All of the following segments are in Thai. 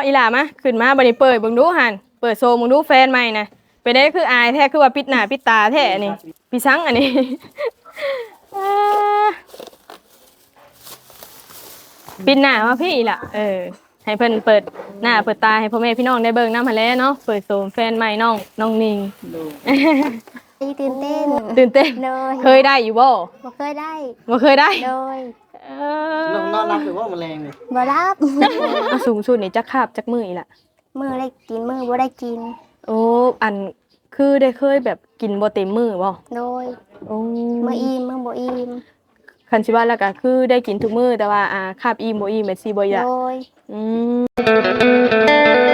อีหล่ามาขึ้นมาบัดนี้เปิดเบิ่งดูหั่นเปิดโซมเบิ่งดูแฟนใหม่น่ะไปได้คืออายแท้คือว่าปิดหน้าปิดตาแท้อันนี้พี่ซังอันนี้ อ่าปิดหน้ามาพี่ล่ะให้เพิ่นเปิดหน้าเปิดตาให้พ่อแม่พี่น้องได้เบิ่งนำหั่นแหละเนาะเปิดโซมแฟนใหม่น้องนิงตื่นเต้นตื่นเต้นเลยเคยได้อยู่บ่บ่เคยได้บ่เคยได้เลยเอน้องนอนรับหรือว่าแมลงนี่บ่รับอสูงสุดนี่จักคาบจักมืออีล่ะมือได้กินมือบ่ได้กินโอ้อันคือได้เคยแบบกินบ่เต็มมือบ่โดยโอ้มืออิ่มมือบ่อิ่มคันสิว่าแล้วก็คือได้กินทุกมื้อแต่ว่าคาบอิ่มบ่อิ่มแม่นสิบ่อยากโดยอืม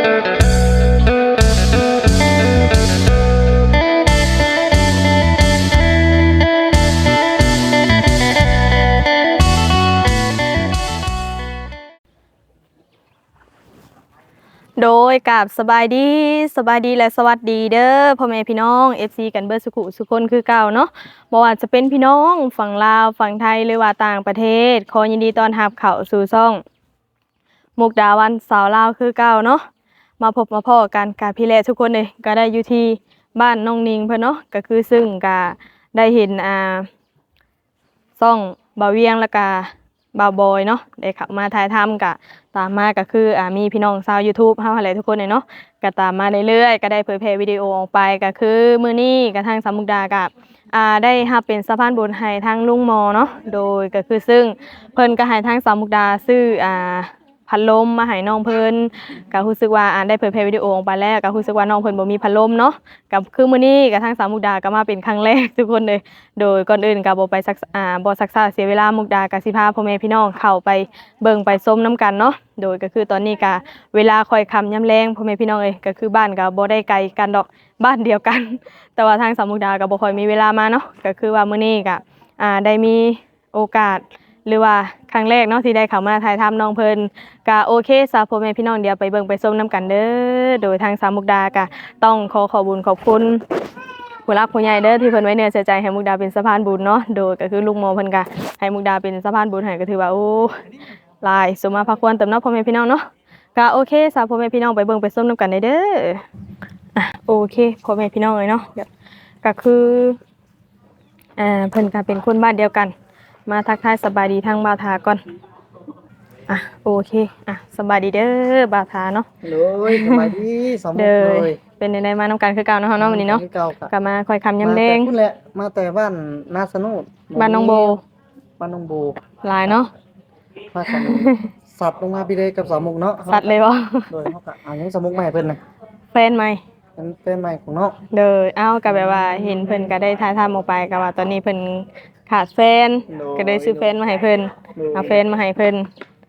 โดยกับสบายดีและสวัสดีเด้อพ่อแม่พี่น้อง FC กันเบิดสุขุสุคนคือเก่าเนาะบ่ว่าจะเป็นพี่น้องฝั่งลาวฝั่งไทยหรือว่าต่างประเทศขอยินดีต้อนรับเข้าสู่ช่องมุกดาวันสาวลาวคือเก่าเนาะมาพบมาพ้อกันกับพี่แลทุกคนเลยก็ได้อยู่ที่บ้านน้องนิงเพิ่นเนาะก็คือซึ่งก็ได้เห็นช่องบ่าวเวียงแล้วก็บ่าวบอยเนาะได้เข้ามาถ่ายทำก็ตามมาก็คือมีพี่น้องชาว YouTube เฮาหั่นแหละทุกคนเลยเนาะก็ตามมาเรื่อยๆก็ได้เผยแพร่วิดีโอออกไปก็คือมื้อนี้ก็ทางสามมุกดากับได้รับเป็นสะพานบุญให้ทางลุงหมอเนาะโดยก็คือซึ่งเพิ่นก็ให้ทางสามมุกดาซื้อพัดลมมาให้น้องเพิ่นก็รู้สึกว่าได้เผยแพร่วิดีโอออกไปแล้วก็รู้สึกว่าน้องเพิ่นบ่มีพัดลมเนาะก็คือมื้อนี้ก็ทางสามมุกดาก็มาเป็นครั้งแรกทุกคนเลยโดยก่อนอื่นก็บ่ไปบ่ซักษาเสียเวลามุกดาก็สิพาพ่อแม่พี่น้องเข้าไปเบิ่งไปชมนํกันเนาะโดยก็คือตอนนี้ก็เวลาค่อยค่ำยามแลงพ่อแม่พี่น้องเอ้ยก็คือบ้านก็บ่ได้ไกลกันดอกบ้านเดียวกัน แต่ว่าทางสามมุกดาก็บ่ค่อยมีเวลามาเนาะก็คือว่ามื้อนี้ก็ได้มีโอกาสหรือว่าครั้งแรกเนาะที่ได้เข้ามาถ่ายทำน้องเพิ่นก็โอเคซะพ่อแม่พี่น้องเดี๋ยวไปเบิ่งไปชมนํกันเด้อโดยทางสามมุกดาก็ต้องขอบุญขอบคุณผู้รักผู้ใหญ่เด้อที่เพิ่นไว้เนื้อเชื่อใจให้มุกดาเป็นสะพานบุญเนาะโดยก็คือลุงโมเพิ่นก็ให้มุกดาเป็นสะพานบุญให้ก็ถือว่าโอ้หลายสมมาพระควรเติมเนาะพ่อแม่พี่น้องเนาะก็โอเคซะพ่อแม่พี่น้องไปเบิ่งไปชมนํกันเด้อโอเคพ่อแม่พี่น้องเอ้ยเนาะก็คือเพิ่นก็เป็นคนบ้านเดียวกันมาทักทายสบายดีทางบ่าวทาก่อนโอเคสบายดีเด้อบ่าวทาเนาะเลยสบายดีสมมุเด้ติอเลยเป็นในมานำกันคือเก่าเนาะเฮาเนาะวันนี้เนาะเก่าๆก็มาคอยคำยำแดงมาแต่พุ่นแหละมาแต่บ้านนาสนุดบ้านน้องโบบ้านน้องโบหลายเนาะพากันสัตว์ลงมาพี่เลยกับสามมุกเนาะสัตว์เลยบ่โดยเขาก็เอายังสามมุกใหม่เพิ่นน่ะแฟนใหม่เป็นแฟนใหม่ของน้องเด้อเอ้าก็แบบว่าเห็นเพิ่นก็ได้ถ่ายทำออกไปก็ว่าตอนนี้เพิ่นขาดแฟนก็ได้ซื้อแฟนมาให้เพิ่นเอาแฟนมาให้เพิ่น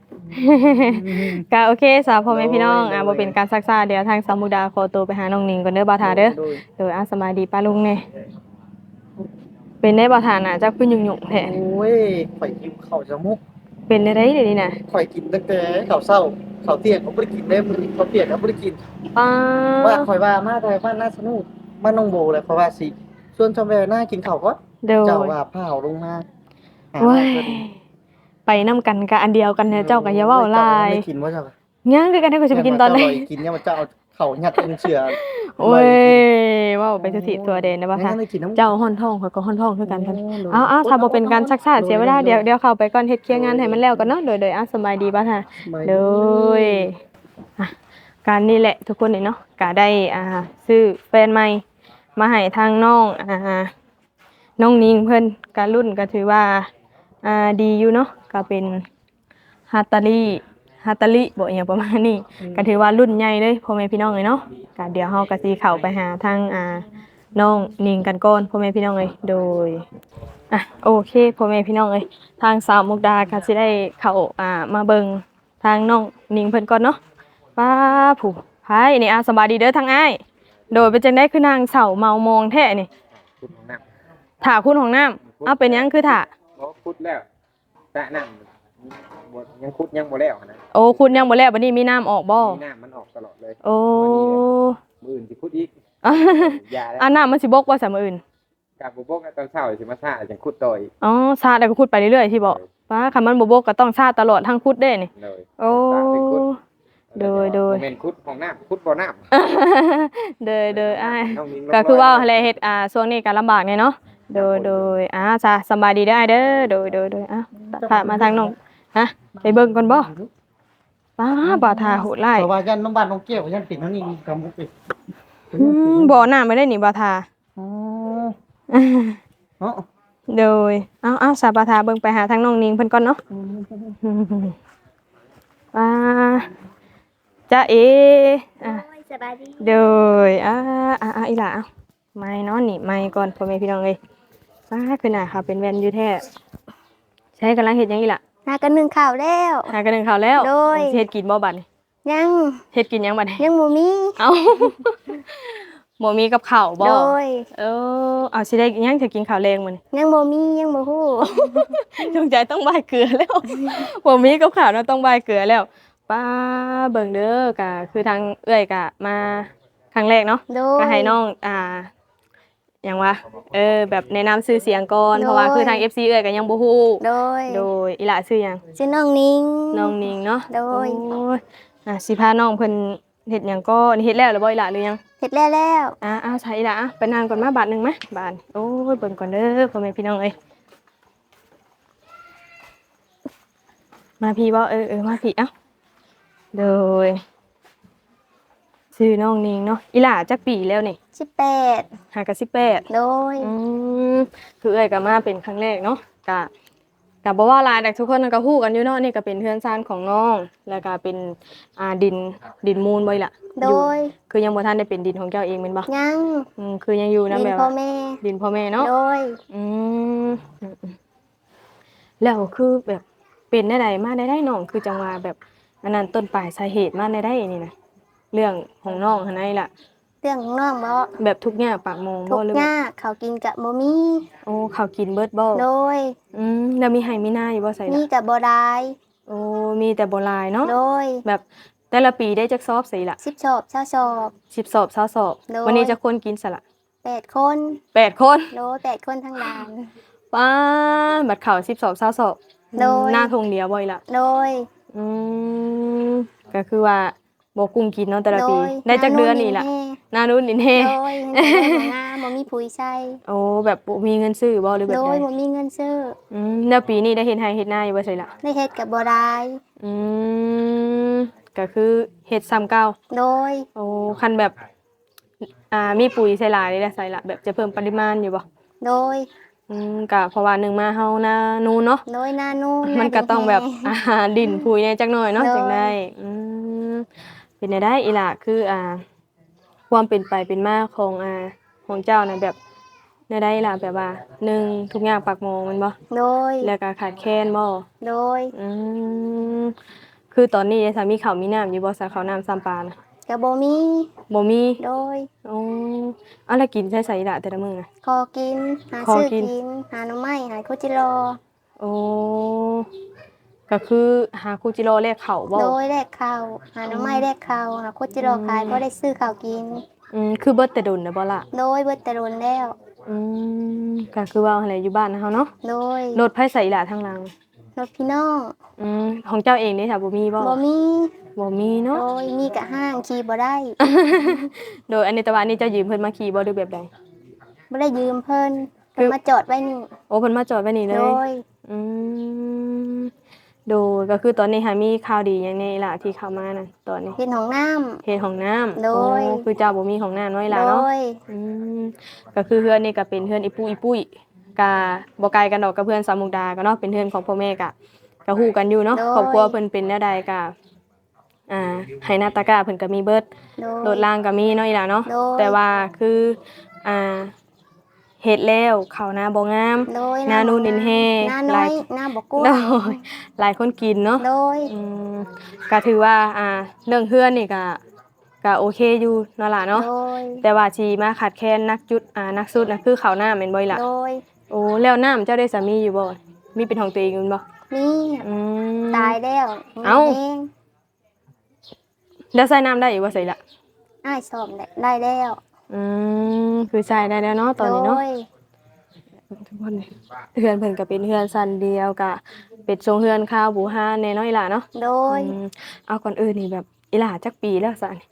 ก็โอเคสาวพ่อแม่พี่น้องบ่เป็นการซักซ่าเดี๋ยวทางสาวมุกดาขอตัวไปหาน้องนิงก่อนเด้อบ่าวทาเด้อโดยเด้อสบายดีป้าลุงแน่เป็นได้บ่าวทาน่ะจักคือยุ่งๆแท้โอ้ยข่อยกินข้าวสามมุกเป็นได้เดี๋ยวนี้น่ะข่อยกินตั้งแต่ข้าวเช้าข้าวเที่ยงเขาบ่ได้กินเด้มื้อนี้ข้าวเที่ยงเขาบ่ได้กินป้าว่าข่อยว่ามาแต่บ้านนาสนุดบ้านน้องโบแหละเพราะว่าสิชวนชาวแวหน้ากินข้าวก่อนเด้อเจ้าว่าพาเอาลงมาหาโอ้ยเพิ่นไปนํกันก็อันเดียวกันเนี่ยเจ้าก็อย่าเว้าหลายไม่กินว่าเจ้ายังคือกันให้กูสิไปกินตอนไหนเจ้ากินเนี่ยมันจะเอาเข่ายัดลงเสือโอ้ยเว้าไปสุธิตัวเด่นนะบ่ค่ะไม่กินน้ำเจ้าฮ้อนท้องข่อยก็ฮ้อนท้องคือกันท่านโอ้เอาถ้าบ่เป็นการซักซ่าเสียเวลาเดี๋ยวเข้าไปก่อนเฮ็ดเคลียร์งานให้มันแล้วก่อนเนาะโดยสบายดีบ่ค่ะโดยการนี่แหละทุกคนนี่เนาะก็ได้ซื้อแฟนใหม่มาให้ทางน้องน้องนิงเพิ่นก็รุ่นก็ถือว่าดีอยู่เนาะก็เป็นฮัตตาลิบ่อหยังประมาณนี้ก็ถือว่ารุ่นใหญ่เลยพ่อแม่พี่น้องเลยเนาะก็เดี๋ยวเฮาก็สิเข้าไปหาทางน้องนิงกันก่อนพ่อแม่พี่น้องเอ้ยโดยโอเคพ่อแม่พี่น้องเอ้ยทางสาวมุกดาก็สิได้เข้ามาเบิ่งทางน้องนิงเพิ่นก่อนเนาะป้าผู้ไผนี่สบายดีเด้อทางอ้ายโดยเป็นจังได๋คือนางเสาเมามองแท้นี่ขุดของน้ถ่าคุณของน้ำเอาเป็นหยังคือถ่าำบ่ขุดแล้วแต่น้ำบ่ยังขุดยังบ่แล้วนะโอ้คุณยังบ่แล้วบัดนี้มีน้ำออกบ่มีน้ำมันออกตลอดเลยโอ้มื้ออื่นสิขุดอีกยาแล้วน้ำมันสิบกว่าสามออื่นกะบ่บกตอนเช้าสิมาซ่าจังขุดต่ออีกอ๋อชาแล้วก็ขุดไปเรื่อยๆที่บอกป้าคันมันบ่บกก็ต้องชาตลอดทั้งขุดเด้นี่เลยโอ้ตามไปขุดโดยบ่แม่นขุดห้องน้ำขุดบ่อน้ำเด้ออ้ายน้องนิ้งก็คือว่าอะไรเฮ็ดช่วงนี้ก็ลำบากแน่เนาะโดยจ้ะสำบายดีได้เด้อโดยพามาทางน้องฮะไปเบิ่งก่อนบ่บ่าทาโหดร้ายเพราะว่ายันน้องบ้านน้องเกี้ยวยันติดน้องนี่กำบุกไปบ่อน้ำไม่ได้นี่บ่าทาอ๋อเนาะโดยเอาสาบ่าทาเบิ่งไปหาทางน้องนิงเพิ่นก่อนเนาะป้าจ้าเออ่ะโอ้ยสบายดีโดยอีหล่ะเอาไม่เนาะนี่ไม่ก่อนพ่อแม่พี่น้องเอ้ยป้าคือหน้าค่ะเป็นแว่นอยู่แท้ใช้กำลังเฮ็ดหยังอีหล่ะหากันนึ่งข้าวแล้วหากันหนึ่งข้าวแล้วโดยสิเฮ็ดกินบ่บัดนี้ยังเฮ็ดกินหยังบัดนี้ยังบ่มีเอ้า บ่มีกับข้าวบ่โดยเอาสิได้หยังจะกินข้าวแรงมื้อนี้ยังบ่มียังบ่ฮู้จงใจต้องบายเกลือแล้ว บ่มีกับข้าวเนาะต้องบายเกลือแล้วป้าเบิ่งเด้อก็คือทางเอื้อยก็มาครั้งแรกเนาะโดก็ยให้น้องหยังวะแบบแนะนำชื่อเสียงก่อนโดยเพราะว่าคือทาง FC เอื้อยก็ยังบ่ฮู้โดยโดยอีหล่ะชื่อหยังชื่อน้องนิ้งน้องนิงเนาะโดยโอ้ยสิพาน้องเพิ่นเฮ็ดหยังก็เฮ็ดแล้วหรือบ่อีหล่ะหรือยังเฮ็ดแล้วแล้วใช่อีหล่ะไปนั่งก่อนมาบาทหนึงมั้ยบาทโอ้ยเบิ่งก่อนเด้อพ่อแม่พี่น้องเอ้ยมาพี่บ่มาพี่เอ้าโดยชื่อน้องนิงเนาะอีหล่าจักปีแล้วนี่ 18 หากะ18 โดยคือเอ้ยก็มาเป็นครั้งแรกเนาะก็บ่ว่าหลายแต่ทุกคนก็ฮู้กันอยู่เนาะนี่ก็เป็นเฮือนซ่านของน้องแล้วก็เป็นดินมูลบ่อีหล่ะโดอยู่ยคือยังบ่ทันได้เป็นดินของเจ้าเองแม่นบ่ยังคือยังอยู่ดินะนแบบพ่อว่าแม่ดินพ่อแม่เนาะโดยอืมแล้วคือแบบเป็นได้ใดมาได้น้องคือจังว่าแบบอันนั้นต้นปลายสาเหตุมาได้นี่นะเรื่องของน้องหั่นไดล่ะเรื่องของน้องบ่แบบทุกอย่างปากโมงทุบ่กหรือหว่าน้าเขาวกินกะบ่มีโอ้ข้าวกินเบิดบ่โดยแล้วมีไห้มีหน้าอยู่บ่ใส่มีล่ะกะบ่ได้โอ้มีแต่บ่หลายเนาะโดยแบบแต่ละปีได้จักสอบใส่ล่ะ 10 ชอบ20ชอบ 10สอบ20สอบโดยวันนี้จะคนกินซะล่ะ 8 คน 8คนโดย8คนทั้งร้านป้าบัดข้าว10สอบ20สอบโดยหน้าทงเดียวบ่อีหล่ะโดยอืมก็คือว่าบ่กุ้งกินเนาะแต่ละปีโดยได้จักเดือนนี่ล่ะหน้านู้นนี่แน่โดยเงินเดือนงามบ่มีปุ๋ยใช้โอ้แบบบ่มีเงินซื้อบ่หรือแบโดบใดยบ่มีเงินซื้อแล้วปีนี้ได้เฮ็ดไร่เฮ็ดนาอยู่บ่ใช่ล่ะได้เฮ็ดกะบ่ได้อืมก็คือเฮ็ดซ้ำเก่าโดยโอ้คันแบบมีปุ๋ยใส่หลายนี่ได้ใส่ละแบบจะเพิ่มปริมาณอยู่บ่โดยก็เพราะว่าหนึ่งมาเฮานานูนเนาะโดยหน้านู่นมันก็ต้องแบบ ดินปุ๋ยเนี่ยจักหน่อยเนาะโดยจังได้เป็นได้อีหล่ะคือความเป็นไปเป็นมาของเจ้าน่ะแบบได้ล่ะแบบว่าหนึ่งทุกอย่างปากหมองแมันบ่โดยแล้วก็ขาดแคลนบ่โดยอืมคือตอนนี้สามีเขาวมีน้ำอยู่บ่สาเขาวน้ำซ้ำปลานะกะบ่มีบ่มีโดยอ๋อเอาแล้วกินใช้อีหล่ะแต่ละมื้อน่ะขอกิน หาขอซื้อกินกิน หาหน่อไม้หาคุจิโร่โอ้ก็คือหาคูจิโร่แลกข้าวบ่โดยแลกข้าวหาหน่อไม้แลกข้าวหาคุจิโร่ขายก็ได้ซื้อข้าวกินคือเบิดแต่ดนน่ะบ่ล่ะโดยเบิดแต่โดนแล้วก็คือว่าอะไรอยู่บ้านนะเฮาเนาะโดยรถไผใส่อีหล่ะทางหลังรถพี่น้องของเจ้าเองนี่ค่ะบ่มีบ่บ่มีบ่มีเนาะโดยมีกะห้างขี่บ่ได้โดยอันนี้แต่ว่าอันนี้เจ้ายืมเพิ่นมาขี่บ่หรือแบบใดบ่ได้ยืมเพิ่นเพิ่นมาจอดไว้นี่โอ้เพิ่นมาจอดไว้นี่เลโดยยอืมโดยก็คือตอนนี้หามีข่าวดีอย่างนี้ล่ะที่เข้ามานะตอนนี้เฮ็ดห้องน้ำเฮ็ดห้องน้ำโดยอ้คือเจ้าบ่มีห้องน้ำน้อยโดล่ะเนาะยอืมก็คือเฮือนนี่ก็เป็นเฮือนอีปุ้ยกะบ่ไกลกันดอกกับเพื่อนสามมุกดาก็เนาะเป็นเฮือนของพ่อแม่ก็ฮู้กันอยู่เนาะครอบครัวเพิ่นเป็นแนวใดก็ให้หน้าตากาเพิ่นก็มีเบิดโดยโดดล่างก็มีเนาะอีหล่ะเนาะโดยแต่ว่าคือเฮ็ดแล้วข้าวนาบ่งามโดยหน้านู่นดินแห้หน้าหน้ลาอย ยหน้าบ่กว้าโดงยหลายคนกินเนาะโดยก็ถือว่าเรื่องเฮือนนี่ก็โอเคอยู่เนาะล่ะเนาะโดยแต่ว่าชีมาขาดแคลนนักสุดนะคือข้าวหน้าแม่นบ่ล่ะโดยโอ้แล้วน้ำเจ้าได้สามีอยู่บ่มีเป็นของตัวเองอยู่บ่มีอืมตายแล้วเอ้าเองแล้วใส่น้ำได้อีกบ่ใส่ละอ้ายสอบได้แล้วคือใส่ได้แล้วเนาะตอนนี้เนาะโดยทุกคนเฮือนเพิ่นก็เป็นเฮือนสั้นเดียวกะเป็ดทรงเฮือนข้าวบูฮาแน่เนาะอีหล่ะเนาะโดยเอาก่อนอื่นนี่แบบอีหล่าจักปีแล้วซะนี่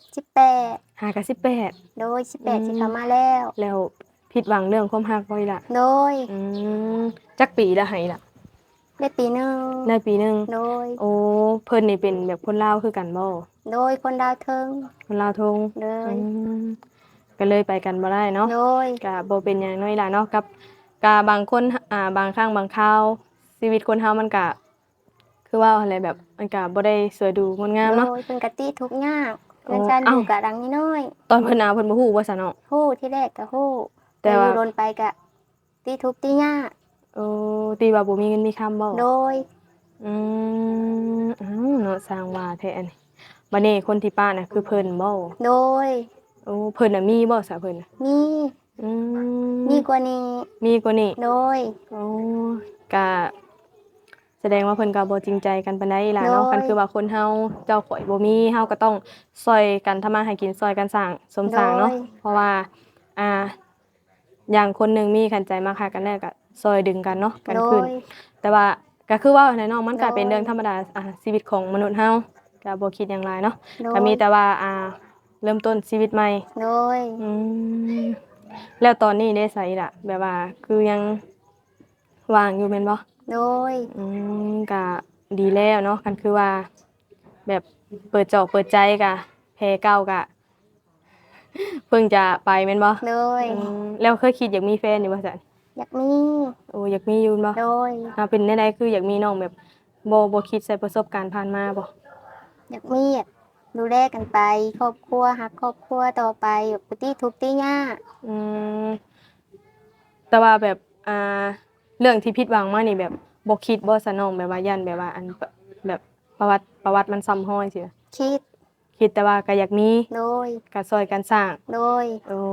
18 หากับ18 โดย18สิเข้ามาแล้วแล้วผิดหวังเรื่องความรักบ่อีหล่ะโดยอืมจักปีแล้วให้ล่ะได้ปีหนึงได้ปีหนึงโดยโอ้เพิ่นนี่เป็นแบบคนลาวคือกันบ่โดยคนดาวเทิงคนลาวทงโดยก็เลยไปกันบ่ได้เนาะโดยก็บ่เป็นหยังน้อยล่ะเนาะกับบางคนบางครั้งบางคราวชีวิตคนเฮามันก็คือว่าอะไรแบบมันก็บ่ได้สวยดูงดงามโดเนาะยเพิ่นก็ติทุกข์ยากโอ้เงินจันอเอ้ายู่กะดังน้อยตอนเพิ่นเอาเพิ่นบ่ฮู้ว่าซะเนาะๆฮู้ที่แรกก็ฮู้แต่ว่าอยู่โดนไปก็ติทุกข์ติยากโอ้ตีว่าบ่มีเงินมีคำบ่โดยอือ้าวเนาะสร้างว่าแท้อันนี้บัดนี้คนที่ป้าน่ะคือเพิ่นบ่โดยโอ้เพิ่นน่ะมีบ่ซะเพิ่นน่ะมีอืมมีกว่านี้มีกว่านี้โดยโอ้ก็แสดงว่าเพิ่นก็บ่จริงใจกันปานใดล่ะเนาะโดยคันคือว่าคนเฮาเจ้าข่อยบ่มีเฮาก็ต้องช่วยกันทำมาหากินช่วยกันสร้างสมสร้างเนาะโดยเพราะว่าอ่าอย่างคนหนึงมีขันใจมาค่ะกันแน่ก็ช่วยดึงกันเนาะกันโดขึ้นยแต่ว่าก็คือว่าแน่เนาะมันก็โดยเป็นเรื่องธรรมดาชีวิตของมนุษย์เฮาก็บ่คิดหยังหลายเนาะโดยก็มีแต่ว่าเริ่มต้นชีวิตใหม่โดยอืมแล้วตอนนี้ได้ไสล่ะ แบบว่าคือยังว่างอยู่แม่นบ่โดยก็ดีแล้วเนาะกันคือว่าแบบเปิดจอกเปิดใจกะแพ้เก่ากะ เพิ่งจะไปแม่นบ่โดยแล้วเคยคิดอยากมีแฟนอยู่บ่ซั่นอยากมีโอ้อยากมีอยู่บ่โดยเป็นแนวใดคืออยากมีน้องแบบบ่คิดใส่ประสบการณ์ผ่านมาบ่อยากมีอยากดูแลกันไป ครอบครัวหักครอบครัวต่อไปแบบบ่ติทุกข์ติยากอืมแต่ว่าแบบเรื่องที่ผิดหวังมานี่แบบบ่คิดบ่ซะน้องแบบว่ายันแบบว่าอันแบบประวัติมันซ้ำร้อยสิคิดคิดแต่ว่าก็อยากมีโดยก็ช่วยกันสร้างโดยโอ้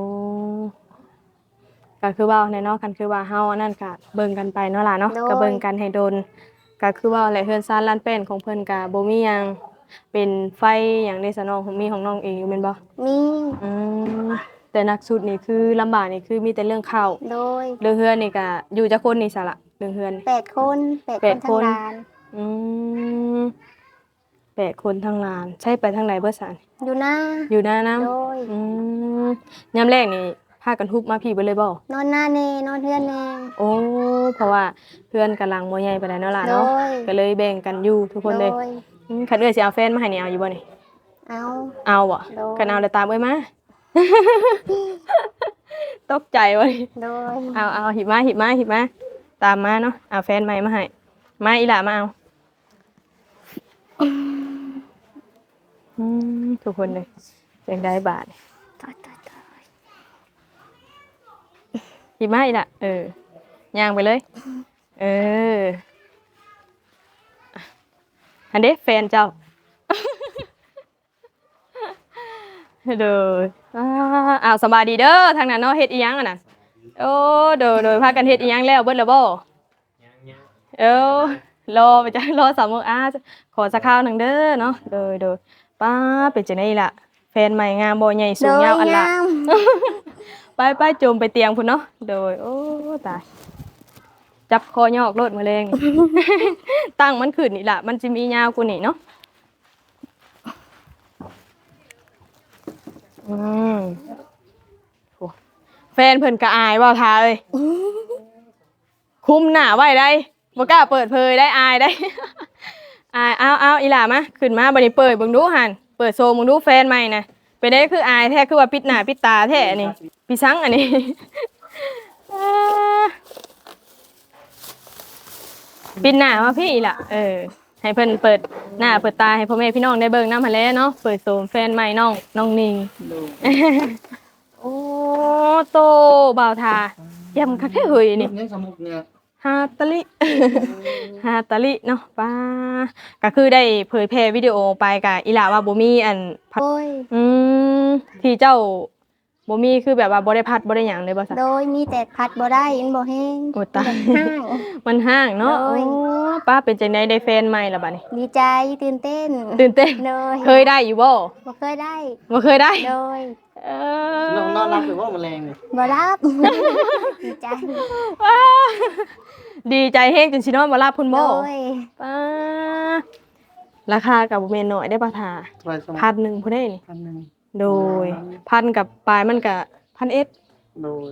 ก็คือว่าในเนาะกันคือว่าเฮาอันนั้นก็เบิ่งกันไปเนาะล่ะเนาะโดยก็เบิ่งกันให้โดนก็คือว่าแหละเฮือนซ่านลานแป้นของเพิ่นก็บ่มีหยังเป็นไฟหยังได้ซะน้องมีของน้องเองอยู่แม่นบ่มีอืมแต่หนักสุดนี่คือลำบากนี่คือมีแต่เรื่องข้าวโดยเรื่องเฮือนนี่ก็อยู่จักคนนี่ซะละเรื่องเฮือน 8 คน8 แปคดนคทั้งนร้านอืม8คนทั้งลาน ใช่ไปทางไหนเบิดซะอยู่หน้าอยู่หน้าน้ำโดยอืมยามแรกนี่พากันฮุบมาพี่เบิดเลยบ่นอนหน้าแน่นอนเทือนแน่โอ้เพราะว่าเพื่อนกำลังบ่ใหญ่ปานใดเนาะล่ะเนาะโดยก็เลยแบ่งกันอยู่ทุกคนเลยโดยคันเอ้อยสิเอาแฟนมาให้นี่เอาอยู่บ่นี่เอาเอาบ่โดยคันเอาแล้วตามเอ้ยมา ตกใจบ่นี่โดยเอาหิบมาตามมาเนาะเอาแฟนใหม่มาให้มาอีหล่ามาเอาทุกคนเลยเสียงได้บาทต่อยหิบมาอีหล่ะย่างไปเลย อันเด้แฟนเจ้า เด้ออ้าวสบายดีเด้อทางนั้นเนาะเฮ็ดอีหยังอ่ะน่ะโอ้โดยพากันเฮ็ดอีหยังแล้วเบิดแล้วบ่ยังเอ้ารอไปจ้ะรอ3 โมงขอสักคราวหนึงเด้อเนาะโดยป้าเป็นจังได๋ล่ะแฟนใหม่งามบ่ใหญ่สูงยาวอันละงามไปจมไปเตียงพุ่นเนาะโดยโอ้ตายจับคอยอกโลดมาแรง ตั้งมันขึ้นนี่ล่ะมันสิมียาวกว่านี้เนาะโหแฟนเพิ่นก็อายเว้าท่าเอ้ยคุมหน้าไว้ได้บ่กล้าเปิดเผยได้อายได้ อายเอาอีหล่ามาขึ้นมาบัดนี้เปิดเบิ่งดูหั่นเปิดโซมเบิ่งดูแฟนใหม่น่ะเป็นได้คืออายแท้คือว่าปิดหน้าปิดตาแท้นี่พี่ซังอันนี้ ปิดหน้ามาพี่อีหล่ะให้เพิ่นเปิดหน้าเปิดตาให้พ่อแม่พี่น้องได้เบิ่งนำหั่นแหละเนาะเปิดโซมแฟนใหม่น้องนิง โอ้โตบ่าวทาเยี่ยมคักแท้เฮ้ยนี่ยังสมุกเนี่ยฮาตาลิ ฮาตาลิเนาะป้าก็คือได้เผยแพร่วิดีโอไปกับอีหล่าว่าบ่มีอันพัดโดยที่เจ้าบ่มีคือแบบว่าบ่ได้พัดบ่ได้หยังเลยบ่ซะโดยมีแต่พัดบ่ได้มันบ่แห้งโอ้ตายห้างมันห้างเนาะโดโอ้ยป้าเป็นจังได๋ได้แฟนใหม่ล่ะบัดนี้ดีใจตื่นเต้นตื่นเต้นโดยเคยได้อยู่บ่บ่เคยได้บ่เคยได้โดยเอนอนรับหรือว่าแมลงเนี่ยบ่รับ ดีใจว้าดีใจแฮงจนสินอนบ่หลับพุ่นโดบ่ยป้าราคาก็บ่แม่นน้อยได้บ่ทาเท่าไหร่สมมุติ 1,000พุ่นเด้นี่ 1,000 โดยพันกับปลายมันก็1,000 โดย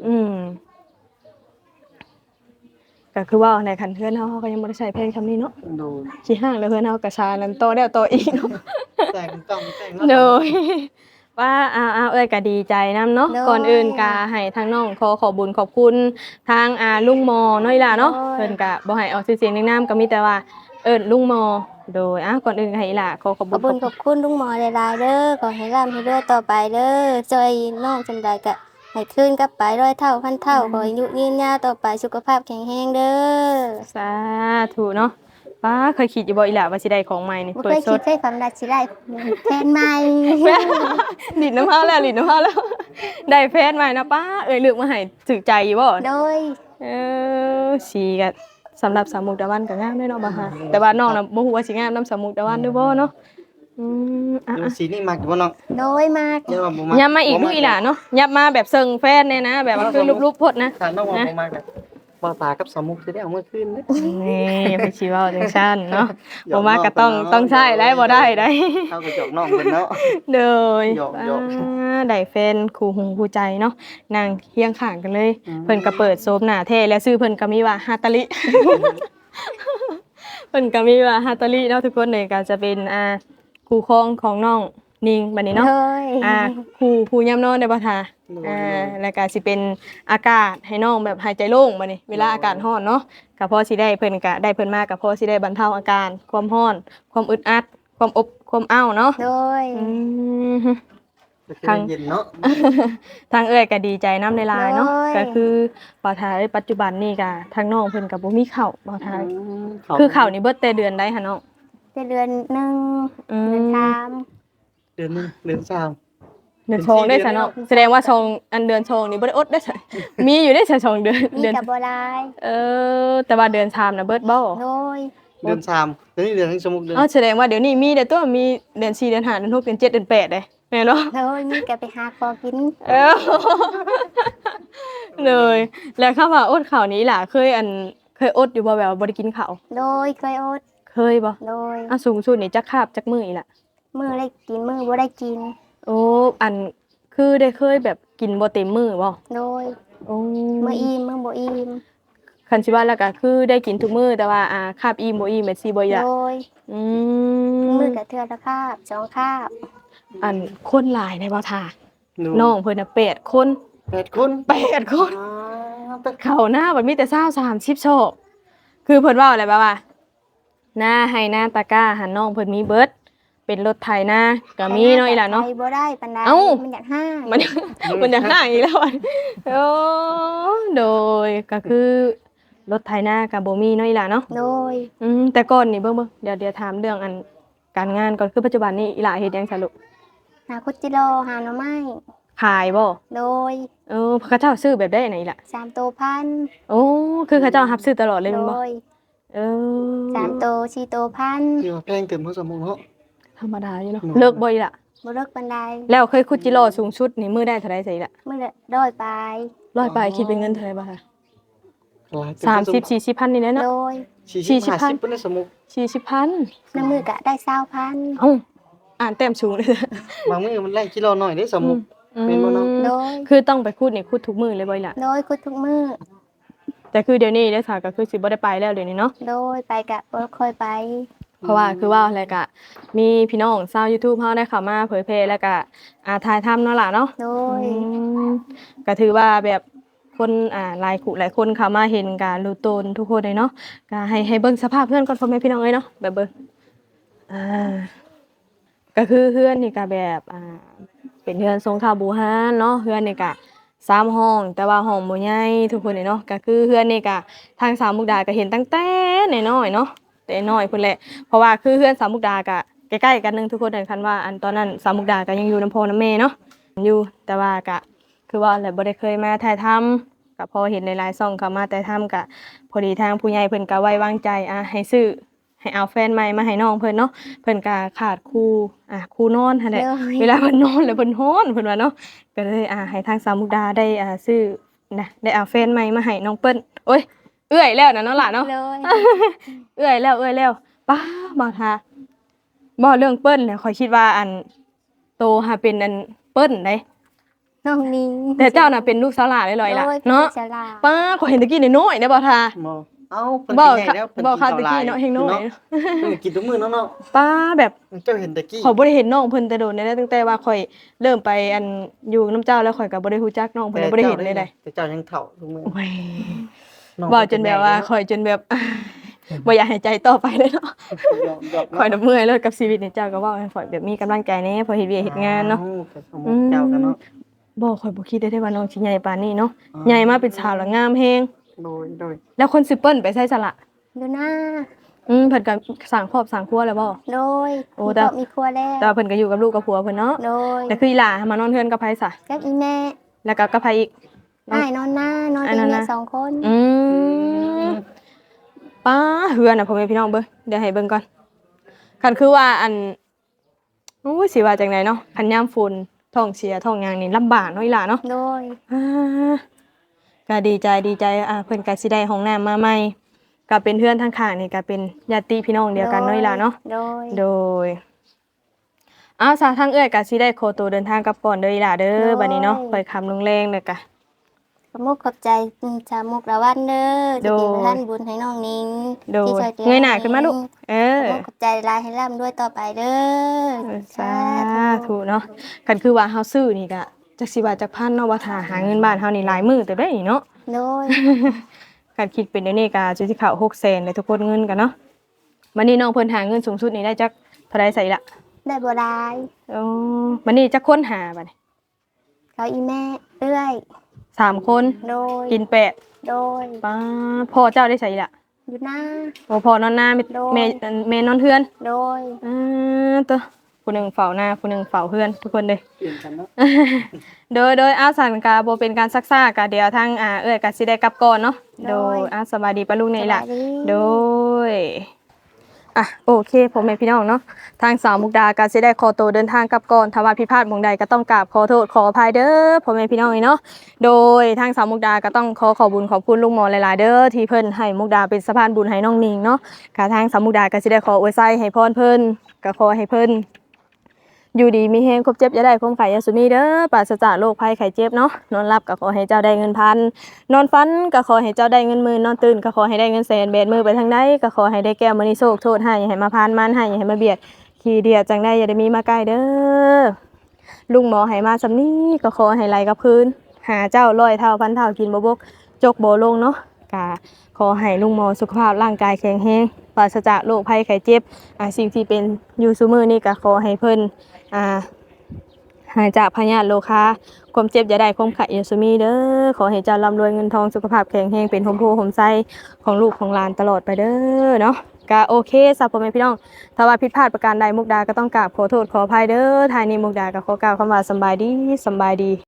ก็คือว่าในคันเทือนเฮาก็ยังบ่ได้ใช้เพลงคำนี้เนาะโดยขี้ห้างแล้วเฮือนเฮาก็ชานั้นโตแล้วโตอีกเนาะแต่งต้องแต่งเนาะโดยว่าเอ้ยก็ดีใจนํเนาะก่อนอื่นก็ให้ทางน้องขอบุญขอบคุณทางลุงหมอน้อยล่ะเนาะเพิ่นก็บ่ให้ออกชื่อเสียงเรียงนามก็มีแต่ว่าลุงหมอโดยก่อนอื่นก็ให้อีหล่ะขอขอบขบุอบญคุณขอบคุณลุงหมอหลายๆเด้อขอให้ร่ำให้รวยต่อไปเด้อจอยน้องจำได้ก็ให้คืนกลับไป100 เท่าพันเท่าขออายุยืนยาวต่อไปสุขภาพแข็งแรงเด้อสาธุเนาะป้าเคยคิดอยู่บ่อีหล่ะว่าสิได้ของใหม่นี่บ่เปิเคดยสคิดดเคยฝันว่าสิได้แฟนใหม่ลิ้นน้ำพาแล้วลิ้นน้ำพาแล้วได้แฟนใหม่นะป้าเลือกมาให้ถึกใจอยู่บ่โดยสีก็สำหรับสาวมุกดาวันก็งามด้วยเนาะบ่ค่ะแต่ว่าน้องน่ะบ่ฮู้ว่าสิงามนำสาวมุกดาวันหรือบ่เนาะอ่ะดูสีนี่มักอยู่บ่น้องโดยมากเดี๋ยวว่าบ่มักยับมาอีกลูกอีหล่ะเนาะยับมาแบบเซิงแฟนเนี่ยนะแบบว่าคือรูปๆพดนะถ้าน้องว่าบ่มักแบบบ่ตากับสมุกสิได้เอามาคืนเด้นี่อย่าไปชี้เว้าจังซั่นเนาะบ่มาก็ต้องใช้ได้บ่ได้ได้เฮาก็จอกน้องเพิ่นเนาะเด้อหยอกได้แฟนคู่หูคู่ใจเนาะนั่งเคียงข้างกันเลยอืมเพิ่นก็เปิดโซมหน้าแท้แล้วชื่อเพิ่นก็มีว่าฮาตาลิ เพิ่นก็มีว่าฮาตาลิเนาะทุกคนเลยก็จะเป็นคู่ครองของน้องนิงบัดนี้เนาะโดยคู่ยามนอนได้บ่ทาแล้วก็สิเป็นอากาศให้น้องแบบหายใจโล่งบัดนี้เวลาอากาศร้อนเนาะก็พอสิได้เพิ่นก็ได้เพิ่นมาก็พอสิได้บรรเทาอาการความร้อน ความอึดอัด ความอบความอ้าวเนาะโดยอืมทางเย็นเนาะทางเอ้ยก็ดีใจน้ำในลายๆเนาะก็คือบ่าวทายปัจจุบันนี่ก็ทางน้องเพิ่นก็บ่มีข้าวบ่าวทายคือข้าวนี่เบิดแต่เดือนใดหั่นเนาะเป็นเดือนหนึ่งอืมเดือนสามเดือนหนึงเดือนสามเดือนชองได้ซะเนาะแสดงว่าชองอันเดือนชองนี่บ่ได้อดได้ซะมีอยู่ได้ซะชองเดือนมีเดือนกับบัวลายแต่ว่าเดือนชามน่ะเบิดบ่โดยเดือนสามเดือนนี้เดือนสมุกเดือนแสดงว่าเดี๋ยวนี้มีแต่ตัวมีเดือน4เดือน5เดือน6เดือน7เดือน8เด้แม่นบ่โดยมีกับไปหาคอกินเออเลยแล้วคำว่าอดข้าวนี้ล่ะเคยอดอยู่บ่แบบว่าบ่ได้กินข้าวโดยเคยอดเคยบ่โดยสูงสุดนี่จักคาบจักมื้ออีหล่ะมือได้กินมือบ่ได้กินโอ้คือได้เคยแบบกินบ่เต็มมื้อบ่โดยโอ้มืออิ่มมือบ่อิ่มคันสิว่าแล้วก็คือได้กินทุกมื้อแต่ว่าคาบอิ่มบ่อิ่มแม่นสิบ่อยากโดยอืมือมกับเทือละคาบสองคาบคนหลายในบ่ทาหน้องเพิ่นน่ะ8 คน 8 คน 8 คนอ๋อแต่เข้าหน้าบัดมีแต่20 30โชคคือเพิ่นเว้าอะไรแบบว่าหน้าให้หน้าตะกร้าหันน้องเพิ่นมีเบิดเป็นรถไถนาก็มีเนาะอีหล่ะเนาะไปบ่ได้ปานใดเอ้ามันอยากห้างมันมันจะห่างอีกแล้วอะโอ้โดยก็คือรถไถนากับโบมีเนาะอีหล่ะเนาะโดยแต่ก่อนนี่เบิ่งเดี๋ยวถามเรื่องการงานก่อนคือปัจจุบันนี้อีหล่ะเฮ็ดหยังซะลูกหาคุดจิโลหาหน่อไม้ขายบ่โดยเขาเจ้าซื้อแบบได้ไหนอีหล่ะ 3 โตวพันโอ้คือเขาเจ้ารับซื้อตลอดเลยโดแม่นบ่ยเออ 3 โตว4 โตวพันคือว่าแพงเต็มเพราะสมุกเนาะธรรมดาอยู่เนาะเลิกบ่อีหล่ะบ่เลิกปานใดแล้วเคยคุดจิโร่สูงสุดนี่มื้อได้เท่าใดสิอีหล่ะมื้อละร้อยปลาย 100ไปคิดเป็นเงินเท่าไหร่บ่คะหลายเต็ม 30 40พันนี่แหละโดเนาะย 40 50เป็นสมุก 40พันน้ำมือก็ได้20,000 เอ้าอ่านแต้มสูงเลยบางมื้อมันไล่กิโลหน่อยได้สมุก เป็นบ่เนาะโดยคือต้องไปคูดนี่คูดทุกมือเลยบ่อยล่ะโดยคุดทุกมื้อแต่คือเดี๋ยวนี้ได้สาก็คือสิบ่ได้ไปแล้วเดี๋ยวนี้เนาะโดยไปกะบ่ค่อยไปเพราะว่าคือว่าอะไรกะมีพี่น้องชาว YouTube เฮาได้เข้ามาเผยแพร่แล้วก็ถ่ายทำเนาะล่ะเนาะโดยก็ถือว่าแบบคนหลายคู่หลายคนเข้ามาเห็นการรู้ตนทุกคนเลยเนาะก็ให้เบิ่งสภาพเพื่อนก่อนพ่อแม่พี่น้องเอ้ยเนาะแบบเบิ่งก็คือเพื่อนนี่ก็แบบเป็นเพื่อนทรงคาบูฮานเนาะเพื่อนนี่ก็3ห้องแต่ว่าห้องบ่ใหญ่ทุกคนเลยเนาะก็คือเพื่อนนี่ก็ทางสาวมุกดาก็เห็นตั้งแต่น้อยๆเนาะแต่น้อยพุ่นแหละเพราะว่าคือเพื่อนสาวมุกดาก็ใกล้ๆกันนึงทุกคนเลยคันว่าตอนนั้นสาวมุกดาก็ยังอยู่น้ำพ่อน้ำแม่เนาะอยู่แต่ว่าก็คือว่าแหละบ่ได้เคยมาถ่ายทำก็พอเห็นหลายๆช่องเข้ามาถ่ายทำก็พอดีทางผู้ใหญ่เพิ่นก็ไว้วางใจให้ซื้อให้เอาแฟนใหม่มาให้น้องเพิ่นเนาะเพิ่นก็ขาดคู่นอนหั่นแหละโดยเวลาเพิ่นนอนแล้วเพิ่นฮ้อนเพิ่นว่าเนาะก็เลยให้ทางสาวมุกดาได้ซื้อนะได้เอาแฟนใหม่มาให้น้องเปิ้นโอ้ยเอื้อยแล้วนะเนาะล่ะเนาะเลยเอื้อยแล้วป้าบ่ทาบ่เรื่องเปิ้นเนี่ยข่อยคิดว่าอันโตหาเป็นอันเปิ้นเด้น้องนิ้งแต่เจ้าน่ะเป็นลูกสาวหลาเลยลอยล่ะโดยเนาะป็ฉลาดป้าข่อยเห็นตะกี้น้อยๆเด้บ่ทาบ่เอ้าเพิ่นบ่กินให้แล้วเพิ่นบ่กินค่ะข้าวตะหลากี้ยเนาะเฮงน้อยเพิ่นกินทุกมื้อเนาะป้าแบบเจ้าเห็นตะกี้ข่อยบ่ได้เห็นน้องเพิ่นแต่โดนได้ตั้งแต่ว่าข่อยเริ่มไปอันอยู่น้ำเจ้าแล้วข่อยก็บ่ได้รู้จักน้องเพิ่นเลยบ่ได้เห็นเลยได้แต่เจ้ายังเฒ่าทุกมื้อโอ้ยน้องเว้าจนแบบว่าข่อยจนแบบ บ่อยากให้ใจต่อไปเลยเนาะหยอกๆข่อยน่ะเมื่อยเลยกับชีวิตนี่เจ้าก็เว้าให้ข่อยแบบมีกำลังใจแหน่พอเฮ็ดเวียกเฮ็ดงานเนาะเจ้ากันเนาะบ่ข่อยบ่คิดได้ว่าน้องสิใหญ่ปานนี้เนาะใหญ่มาเป็นสาวแล้วงามแฮงโดยแล้วคนสิเปิ้นไปใส่สละดูหน้าเพิ่นก็สร้างครอบสร้างครัวแล้วบ่โดยโอ้มีแต่ครอบมีครัวแล้วแต่ว่าเพิ่นก็อยู่กับลูกกับผัวเพิ่นเนาะโดยแต่คืออีหล่ามานอนเฮือนกับไผซะกับอีแม่แล้วก็กับไผอีกอ้ายนอนหน้านอนอ้ายอีนอนหแม่น้า 2 คนอืมป้าเฮือนน่ะพ่อแม่พี่น้องเบิ่งเดี๋ยวให้เบิ่งก่อนคันคือว่าอันโอ้ยสิว่าจังไดเนาะคันยามฝนท้องเสียท้องหยังนี่ลำบากเนาะอีหล่าเนาะโดยอ่าก็ดีใจเพิ่นก็สิได้ห้องน้ำมาใหม่ก็เป็นเพื่อนทางข้างนี่ก็เป็นญาติพี่น้องเดียวกันเนาะอีหล่าเนาะโดยโดยซาทางเอื้อยก็สิได้โคตัวเดินทางกลับก่อนเด้ออีหล่าเด้อบัดนี้เนาะไปคำลงแรงเด้อกะขอบมุกขอบใจชาวมุกละวันเด้อโดที่ยเป็นท่านบุญให้น้องนิ้งโดยที่ช่วยเหลือเงยหน้าขึ้นมาลูกเออขอบมุกขอบใจหลายให้ร่ำด้วยต่อไปเด้อสาธุเนาะคันคือว่าเฮาซื้อนี่ก็จักสิว่าจักพันเนาะว่าถ้าหาเงินบ้านเฮานี่หลายมื้อแต่ได้นี่เนาะโดยการคิดเป็นเดี๋ยวนี้ก็สิเข้า600,000เลยทุกคนเงินกันเนาะบัดนี้น้องเพิ่นหาเงินสูงสุดนี่ได้จักเท่าใดใส่ละได้บ่ได้อ๋อบัดนี้จักคนหาบัดนี้เขาอีแม่เอื้อย 3คนโดยกินแปดโดยป้าพ่อเจ้าได้ใส่ละอยู่หน้าโอ้พ่อนอนหน้าแม่โดยแม่นอนเฮือนโดยตัวผู้หนึ่งเฝ้าหน้าผู้หนึ่งเฝ้าเพื่อนทุกคนเลยเปลี่ยนกันเนาะโดยอาสันกาโบเป็นการซักซ่ากะเดี๋ยวทางเอ้ยกะสิได้กลับก่อนเนาะโดยสบายดีปะลูกนี่ล่ะสบายดีโดยโอเคผมแม่พี่น้องเนาะทางสาวมุกดากะสิได้ขอตัวเดินทางกลับก่อนถ้าว่าผิดพลาดหม่องใดก็ต้องกราบขอโทษขออภัยเด้อพ่อแม่พี่น้องเนาะโดยทางสาวมุกดาก็ต้องขอบุญขอบคุณลุงหมอหลายๆเด้อที่เพิ่นให้มุกดาเป็นสะพานบุญให้น้องนิงเนาะกะทางสาวมุกดาก็สิได้ขออวยไส้ให้พรเพิ่นก็ขอให้เพิ่นอยู่ดีมีแฮงครบเจ็บอย่าได้ความไข่ยาสุมีเด้อปราศจากโรคภัยไข้เจ็บเนาะนอนหลับก็ขอให้เจ้าได้เงินพันนอนฝันก็ขอให้เจ้าได้เงินหมื่นนอนตื่นก็ขอให้ได้เงินแสนแบดมือไปทางใดก็ขอให้ได้แก้วมณีโชคโทษให้อย่าให้มาพานมันให้อย่าให้มาเบียดขี้เดียดจังได้อย่าได้มีมาใกล้เด้อลุงหมอให้มาสำนี้ก็ขอให้ไหลกับพื้นหาเจ้าร้อยเท่าพันเท่ากินบ่บกจกบ่ลงเนาะกะขอให้ลุงหมอสุขภาพร่างกายแข็งแรงปราศจากโรคภัยไข้เจ็บสิ่งที่เป็นอยู่ซุมื้อนี้ก็ขอให้เพิ่นหายจากพยาธิโรคาความเจ็บอย่าได้ความไข้อย่าสุมีเด้อขอให้เจ้าร่ำรวยเงินทองสุขภาพแข็งแรงเป็นโฮมโพโฮมไซของลูกของหลานตลอดไปเด้อเนาะก็โอเคสำหรับพ่อแม่พี่น้องถ้าว่าผิดพลาดประการใดมุกดาก็ต้องกราบขอโทษขออภัยเด้อท้ายนี้มุกดาก็ขอกล่าวคำว่าสำบายดี